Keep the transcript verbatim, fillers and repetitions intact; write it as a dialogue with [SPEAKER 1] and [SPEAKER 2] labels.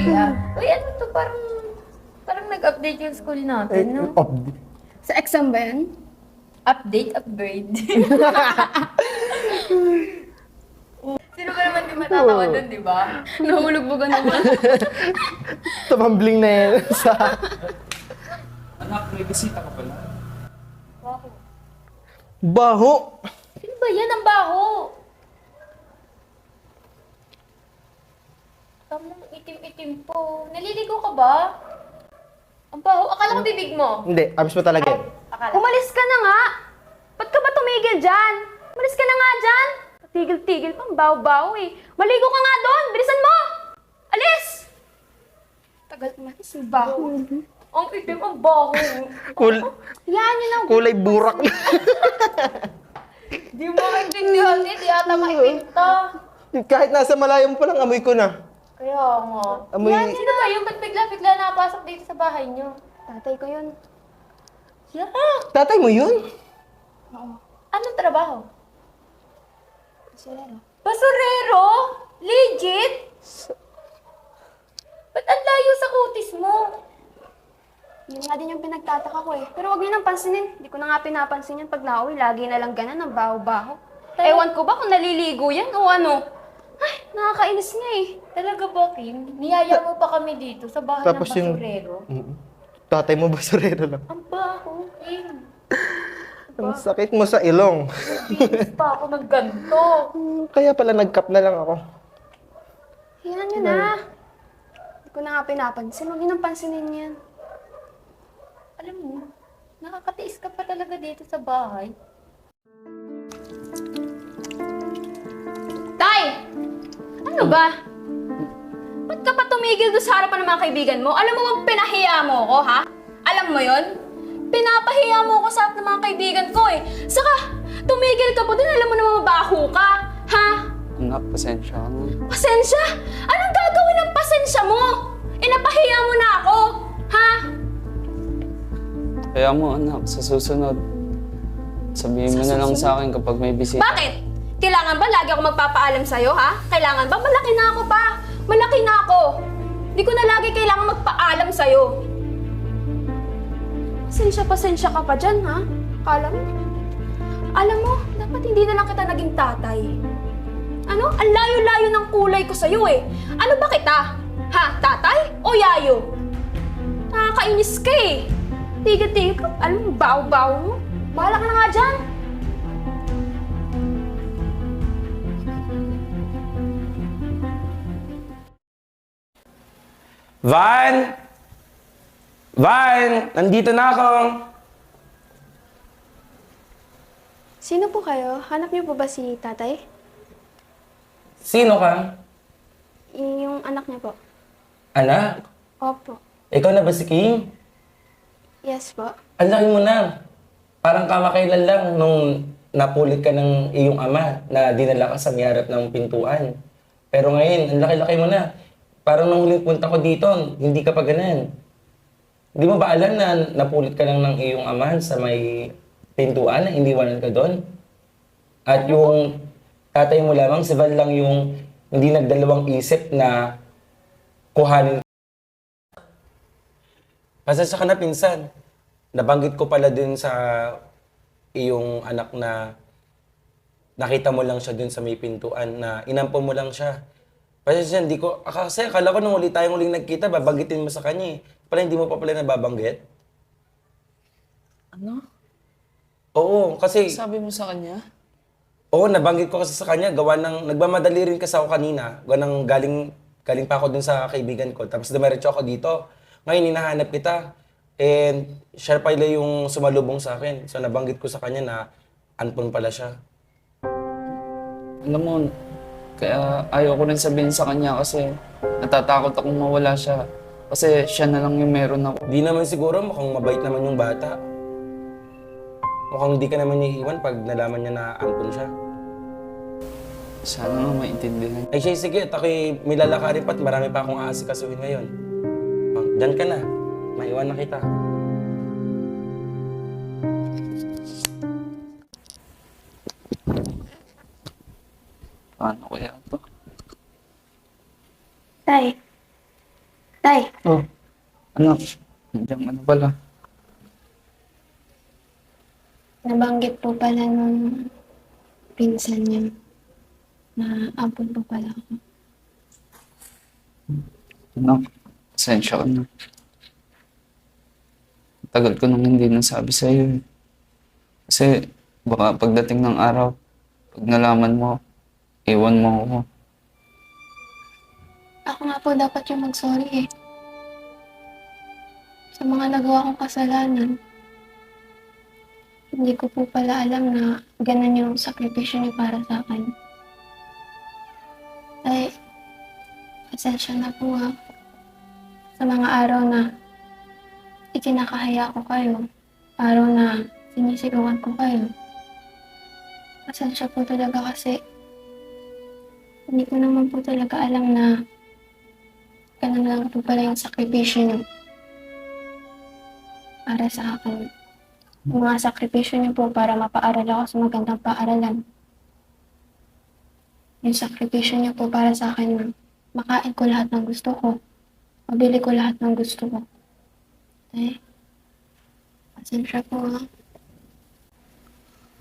[SPEAKER 1] Sorry ah. Uy, ano to? Parang, parang nag-update yung school natin, no?
[SPEAKER 2] Update.
[SPEAKER 3] Sa exam ba yan?
[SPEAKER 1] Update, upgrade. Sino ba naman di matatawa doon, di ba?
[SPEAKER 3] Nahulog ba naman?
[SPEAKER 2] Tumambling na yan sa...
[SPEAKER 4] Anak, may bisita ka pala.
[SPEAKER 1] Baho.
[SPEAKER 2] Baho!
[SPEAKER 1] Sino ba yan? Ang baho! Tamang itim-itim po. Naliligo ka ba? Ang baho. Akala ko bibig mo.
[SPEAKER 2] Hindi, abis mo talaga.
[SPEAKER 1] Ay, akala.
[SPEAKER 3] Umalis ka na nga! Ba't ka ba tumigil dyan? Umalis ka na nga dyan! Tigil-tigil pang baw-baw eh. Maligo ka nga doon! Bilisan mo! Alis! Tagal umalis yung baho.
[SPEAKER 1] Ang itim, ang baho.
[SPEAKER 2] Kul
[SPEAKER 3] Yan yun ang...
[SPEAKER 2] kulay burak na.
[SPEAKER 1] Di mo maintindihan eh. Di ata maipinta.
[SPEAKER 2] Kahit nasa malayo mo pa lang, amoy ko na.
[SPEAKER 1] Kaya nga.
[SPEAKER 2] Amoy...
[SPEAKER 1] Yan, sino ba yung ba't bigla-bigla napasok dito sa bahay niyo?
[SPEAKER 3] Tatay ko yun.
[SPEAKER 1] Yeah.
[SPEAKER 2] Tatay mo yun?
[SPEAKER 3] Oo.
[SPEAKER 1] Anong trabaho?
[SPEAKER 3] Basurero.
[SPEAKER 1] Basurero? Legit? Ba't ang layo sa kutis mo?
[SPEAKER 3] Yun nga din yung pinagtataka ko eh. Pero wag niyo nang pansinin. Hindi ko na nga pinapansin yan pag nauwi. Lagi na lang ganun, ang baho-baho. Ewan ko ba kung naliligo yan o ano? Ay, nakakainis nga eh.
[SPEAKER 1] Talaga ba, Kim? Niyaya mo pa kami dito sa bahay
[SPEAKER 2] Tapos
[SPEAKER 1] ng
[SPEAKER 2] yung-
[SPEAKER 1] basurero.
[SPEAKER 2] Mm. Tatay mo basurero lang.
[SPEAKER 1] Ang baho, Kim.
[SPEAKER 2] Ang sakit mo sa ilong.
[SPEAKER 1] Pinis pa ako ng ganito.
[SPEAKER 2] Hmm, Kaya pala nag-cup na lang ako.
[SPEAKER 3] Yan yun na. Hindi ko na nga pinapansin. Huwag niyo nang pansinin yan.
[SPEAKER 1] Alam mo, nakakatiis ka pa talaga dito sa bahay.
[SPEAKER 3] Tay! Ano ba? Ba't ka pa tumigil doon sa harapan ng mga kaibigan mo? Alam mo bang pinahiya mo ko, ha? Alam mo yon? Pinapahiya mo ko sa harap ng mga kaibigan ko eh. Saka, tumigil ka po din. Alam mo naman mabaho ka. Ha?
[SPEAKER 4] Anak, pasensya ka na.
[SPEAKER 3] Pasensya? Anong gagawin ng pasensya mo? Inapahiya mo na ako. Ha?
[SPEAKER 4] Kaya mo, anak, sa susunod, sabihin mo
[SPEAKER 3] Sa
[SPEAKER 4] na lang
[SPEAKER 3] susunod?
[SPEAKER 4] sa akin kapag may bisita.
[SPEAKER 3] Bakit? Kailangan ba lagi ako magpapaalam sa'yo, ha? Kailangan ba? Malaki na ako pa. Malaki na ako. Hindi ko na lagi kailangan magpaalam sa'yo. Pasensya-pasensya ka pa dyan, ha? Kala mo? Alam mo, dapat hindi na lang kita naging tatay. Ano? Ang layo-layo ng kulay ko sa'yo eh. Ano ba kita? Ha? Tatay? O yayo? Nakakainis ka eh. Tigil-tigil ka. Alam mo, baw-baw mo. Bahala ka na nga dyan.
[SPEAKER 5] Van! Van! Nandito na ako!
[SPEAKER 3] Sino po kayo? Hanap niyo po ba si tatay?
[SPEAKER 5] Sino ka?
[SPEAKER 3] Yung anak niya po.
[SPEAKER 5] Anak?
[SPEAKER 3] Opo.
[SPEAKER 5] Ikaw na ba si King?
[SPEAKER 3] Yes po.
[SPEAKER 5] Ang laki mo na. Parang kamakailan lang nung napulit ka ng iyong ama na dinala ka sa may harap ng pintuan. Pero ngayon, ang laki-laki mo na. Parang nung huling punta ko dito, hindi ka pa ganun. Hindi mo ba alam na napulit ka lang ng iyong ama sa may pintuan na iniwanan ka doon? At yung tatay mo lamang, si Val lang yung hindi nagdalawang isip na kuhanin. Pasensya ka na, pinsan. Nabanggit ko pala dun sa iyong anak na nakita mo lang siya dun sa may pintuan na inampo mo lang siya. Pasensya, hindi ko, kasi akala ko nung uli tayong uling nagkita, babanggitin mo sa kanya eh. Pala hindi mo pa pala nababanggit?
[SPEAKER 4] Ano?
[SPEAKER 5] Oo, kasi,
[SPEAKER 4] Sabi mo sa kanya?
[SPEAKER 5] oo, nabanggit ko kasi sa kanya, gawa ng, nagmamadali rin kasi ako kanina, gawa ng galing, galing pa ako dun sa kaibigan ko, tapos dumiretso ako dito. Ngayon, hinahanap kita, and siya pala yung sumalubong sa akin. So, nabanggit ko sa kanya na anpon pala siya.
[SPEAKER 4] Alam mo, kaya ayaw ko rin sabihin sa kanya kasi natatakot akong mawala siya. Kasi siya na lang yung meron ako.
[SPEAKER 5] Di naman siguro, mukhang mabait naman yung bata. Mukhang di ka naman niya iiwan pag nalaman niya na ampun siya.
[SPEAKER 4] Sana nga maintindihan.
[SPEAKER 5] Ay siya, sige, at ako'y may lalakarin pa at marami pa akong aasikasuhin ngayon. Oh, dyan ka na. Maiwan na kita.
[SPEAKER 4] Paano kaya ito?
[SPEAKER 3] Tay, Tay,
[SPEAKER 4] Oh, anak. Nandiyan ano pala.
[SPEAKER 3] nabanggit po pala nung pinsan niya na ampun po pala ako.
[SPEAKER 4] Anak, pasensya ka na. Tagal ko nang hindi nasabi sa'yo eh. Kasi baka pagdating ng araw, pag nalaman mo, iwan mo ako.
[SPEAKER 3] Ako nga po dapat yung mag-sorry eh. Sa mga nagawa kong kasalanan. Hindi ko po pala alam na ganun yung sakripisyo niyo para sa akin. Ay, pasensya na po ha. Sa mga araw na ikinakahaya ko kayo. Araw na sinisigawan ko kayo. Pasensya po talaga kasi hindi ko naman po talaga alam na ganun lang po pala yung sakripisyo niyo para sa akin. Yung mga sakripisyo niyo po para mapaaral ako sa magandang paaralan. Yung sakripisyo niyo po para sa akin na makain ko lahat ng gusto ko. Mabili ko lahat ng gusto ko. Eh, pasensya po ha.